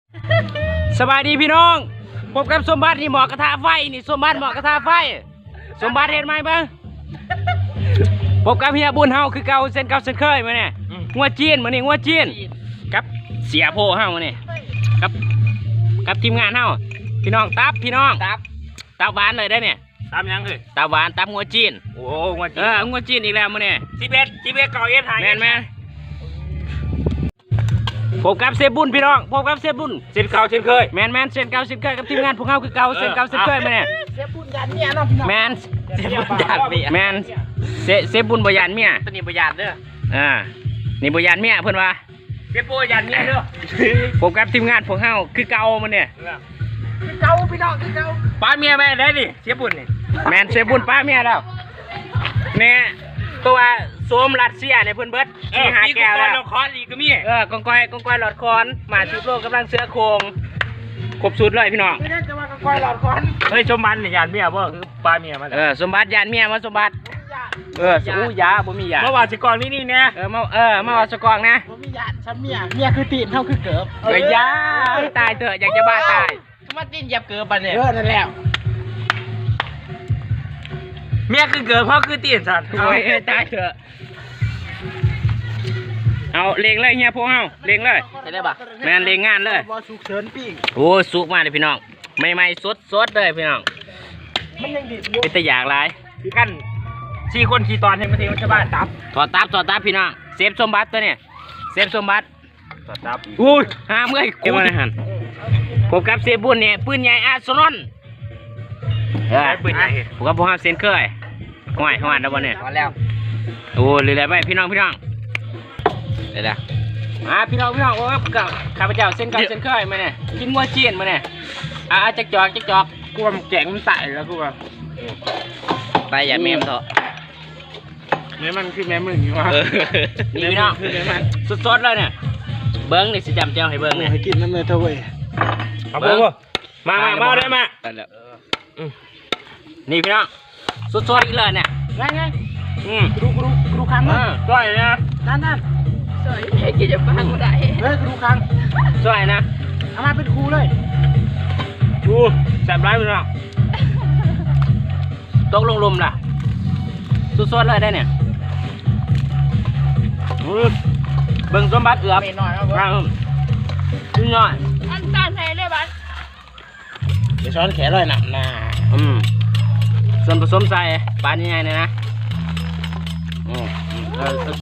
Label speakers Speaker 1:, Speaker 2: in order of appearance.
Speaker 1: สบายดีพี่น้องพบกับสมบัตินี่หมอกระทะไฟนี่สมบัติหมอกระทะไฟสมบัติเห็นไหมบ้างพบกับเฮียบุญเฮาคือเก่าเส้นเก่าเส้นเคยมาเนี่ยงัวจีนมาเนี่ยงัวจีนกับเสียโพเฮามาเนี่ยกับทีมงานเฮาพี่น้องตับพี่น้องตับหวานเลยได้เนี่ย
Speaker 2: ตามยังเลย
Speaker 1: ตับหวานตับงัวจีน
Speaker 2: โอ้งัวจีน
Speaker 1: งัวจีนอีกแล้วมาเนี่ย
Speaker 2: 11ก่อเอฟหาย
Speaker 1: แมนพบกับเซบุญพี่น้องพบกับเซบุญ
Speaker 2: เช่นเก่าเช่นเคย
Speaker 1: แมนเส้นเก่าเส้นเคยกับทีมงานพวกเฮาคือเก่าเส้นเก่าเส้นเคยมาเนี่ย
Speaker 3: เสียบุญยันเนี่ยเนาะพี่น้อง
Speaker 1: แมน
Speaker 2: เช่นบุญญาติเมีย
Speaker 1: แมนเซบุญบยานเมีย
Speaker 2: ตัวนี้บุญญาติเด้อ
Speaker 1: นี่บยานเมียเพิ่นว่า
Speaker 2: เช่นบุญญาติเมียเด้อ
Speaker 1: ผมกับทีมงานพวกเฮาคือเก่ามันเนี่ย
Speaker 3: คือเก่าพี่น้องคือเก่า
Speaker 2: ป้าเมียแม่ได้ดิเช่นบุญนี่
Speaker 1: แมนเซบุญป้าเมียแล้วเนี่ยตัวโซมรัสเซียเนี่ยเพิ่นเบิดที่หาแก้วแล้ว
Speaker 2: เราคออีกก็มี
Speaker 1: กองกอยหลอดคอนมาชุบโลกกำลังเสือโคงครบสุดเลยพี่น้อง
Speaker 3: ไม่ได้จะมากับก้อยหลอดควัน
Speaker 2: เฮ้ยชมบันเนี่ยญาติเมียบ่คือป้าเมียมาแล้ว
Speaker 1: สมบัติยานเมียมาสมบัติสู้ยาบ่มียา
Speaker 2: เมื่อวานสิก่อนนี่เนี่ย
Speaker 1: มาเอาสกองนะ
Speaker 3: ผมมีญาติฉันเมียคือตีนเท่าคือเกิบ
Speaker 1: ยาตายเถอะอยากจะบ้าตาย
Speaker 3: มาตีนเหยียบเกิบไปเนี่ยนั่นแหละ
Speaker 2: เมียคือเกิดเพราะคือตีนสัตว์
Speaker 1: โอ้ยตายเถอะเอาเลงเลยเฮียพวกเฮาเลงเลย
Speaker 2: ใช่ได้ปะ
Speaker 1: แมนเลงงานเลย
Speaker 3: บอสุกเฉินปิ้ง
Speaker 1: โอ้สุกมากเลยพี่น้องใหม่ๆสดเลยพี่น้อง
Speaker 3: มันยังดิบอยู่
Speaker 1: เป็นตะอยากหลาย
Speaker 2: คือกัน4 คนขี่ตอนให้มาเทวชาวบ้านตับ
Speaker 1: ถอดตับพี่น้องเซฟสมบัติตัวเนี่ยเซฟสมบัติ
Speaker 2: ตับ
Speaker 1: อุ้ยห้ามเลยกูมาหันผมกับเซฟบุญเนี่ยปืนใหญ่อาร์เซนอลผมกับพวกเฮาเซนเคยห่วยแล้วบ่เนี่ย
Speaker 3: มาแล้ว
Speaker 1: โอ้เลยไปพี่น้องเลยละพี่น้องโอ้กับข้าพเจ้าเส้นเก่าเส้นเคยมาเนี่ยกินงัวจีนมาเนี่ยจักจอก
Speaker 2: กูว่ามันแกงมันใส่แล้วกูว่า
Speaker 1: ไปอย่าเมมเถอะ
Speaker 2: แม่มันคือแม่มึงอยู่วะ
Speaker 1: นี่พี่น้องสดเลยเนี่ยเบิ้งนี่สิจำเจ้าให้เบิ้งเนี่ย
Speaker 3: ให้กินน้ำเลยเท่าเว้ย
Speaker 2: เอาพวกมาได้มา
Speaker 1: นี่พี่น้องสดอีกเลยเนี่ย
Speaker 3: ไงกรูคังเลย
Speaker 2: ก้อยนะ
Speaker 3: นั่น
Speaker 4: สวยเด็กจะฟังไม่ได้
Speaker 3: เฮ้ยกรูคัง
Speaker 1: สวยนะ
Speaker 3: เอามาเป็นครูเลย
Speaker 2: กูแซ่บร้ายไปแล้ว
Speaker 1: ตกลงลมล่ะสดเลยได้เนี่ยเบิ้งสมบัติเอือบ
Speaker 3: เมนหน่อยเอา
Speaker 1: ข้างชิ้นน้อย
Speaker 4: อันตาไทยเลยบ้าน
Speaker 3: เดี๋ยวช้อนแขนเลยหนักหน้า
Speaker 1: ส่วนผสมใส่ปานยังไงเนี่ยนะ